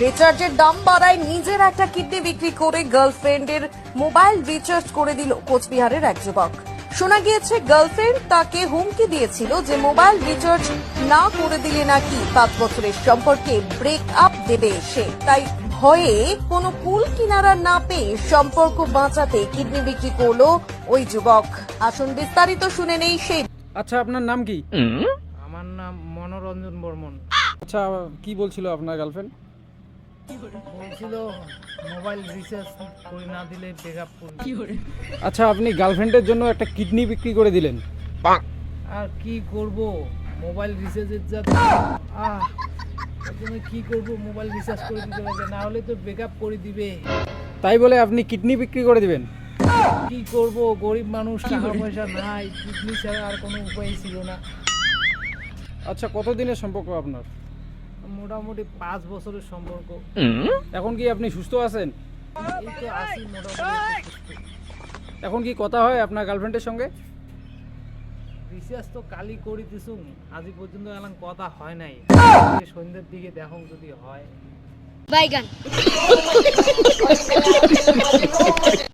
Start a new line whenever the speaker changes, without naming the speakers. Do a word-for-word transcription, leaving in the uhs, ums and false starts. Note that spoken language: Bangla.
রিচার্জের দাম বাড়ায় নিজের একটা কিডনি বিক্রি করে গার্লফ্রেন্ডের মোবাইল রিচার্জ করে দিল কোচবিহারের এক যুবক। শোনা গিয়েছে গার্লফ্রেন্ড তাকে হুমকি দিয়েছিল যে মোবাইল রিচার্জ না করে দিলে নাকি পাঁচ বছরের সম্পর্কে ব্রেক আপ দেবে সে। তাই ভয়ে কোনো কুল কিনারা না পেয়ে সম্পর্ক বাঁচাতে কিডনি বিক্রি করলো ওই যুবক। আসুন বিস্তারিত শুনে নেই সেই।
আচ্ছা, আপনার নাম কি?
আমার নাম মনোরঞ্জন বর্মন।
আচ্ছা, কি বলছিল আপনার গার্লফ্রেন্ড?
বলছিল মোবাইল রিচার্জ করে না দিলে ব্রেকআপ করবে।
আচ্ছা, আপনি গার্লফ্রেন্ডের জন্য একটা কিডনি বিক্রি করে দিলেন।
আর কি করব, মোবাইল রিচার্জের যা আহ তুমি কি করব, মোবাইল রিচার্জ করে দিতে লাগে, না হলে তো ব্রেকআপ করে দিবে।
তাই বলে আপনি কিডনি বিক্রি করে দিবেন?
কি করব, গরিব মানুষ, টাকা পয়সা নাই, কিডনি ছাড়া আর কোনো উপায় ছিল না।
আচ্ছা, কতদিনের সম্পর্ক আপনার?
মোটামুটি পাঁচ বছরের সম্পর্ক।
এখন কি আপনি সুস্থ আছেন?
এই তো আছি মোটামুটি সুস্থ।
এখন কি কথা হয় আপনার গার্লফ্রেন্ডের সঙ্গে?
রিচার্জ তো কালি করে দিছুম, আজ পর্যন্ত এলাম কথা হয় নাই। সন্ধ্যের দিকে দেখো যদি হয়।
বাইগান।